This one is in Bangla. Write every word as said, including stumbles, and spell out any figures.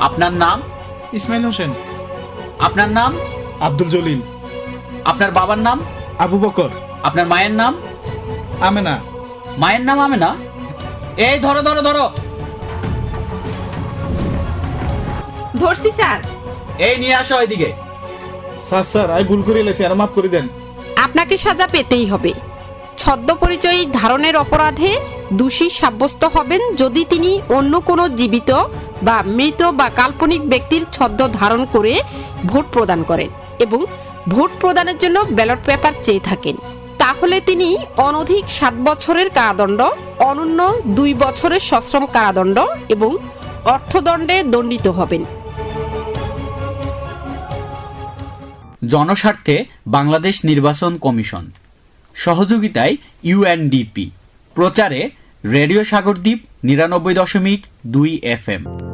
আপনার নাম? ইসমাইল হোসেন। আপনার নাম? আব্দুল জলিল। আপনার বাবার নাম? আবু বকর। আপনার মায়ের নাম? আমেনা। মায়ের নাম আমেনা? এই ধরো ধরো ধরো। ধরছি স্যার। এই নিয়ে আসো এদিকে। স্যার স্যার আমি ভুল করে এলেছি, আর মাফ করে দেন। আপনাকে সাজা পেতেই হবে। ছদ্ম পরিচয় ধারণের অপরাধে দোষী সাব্যস্ত হবেন যদি তিনি অন্য কোনো জীবিত বা মৃত বা কাল্পনিক ব্যক্তির ছদ্ম ধারণ করে ভোট প্রদান করেন এবং ভোট প্রদানের জন্য ব্যালট পেপার চেয়ে থাকেন। তাহলে তিনি অনধিক সাত বছরের কারাদণ্ড, অনূন্য দুই বছরের সশ্রম কারাদণ্ড এবং অর্থদণ্ডে দণ্ডিত হবেন। জনস্বার্থে বাংলাদেশ নির্বাচন কমিশন, সহযোগিতায় ইউএনডিপি, প্রচারে রেডিও সাগরদ্বীপ নিরানব্বই দশমিক দুই এফ এম।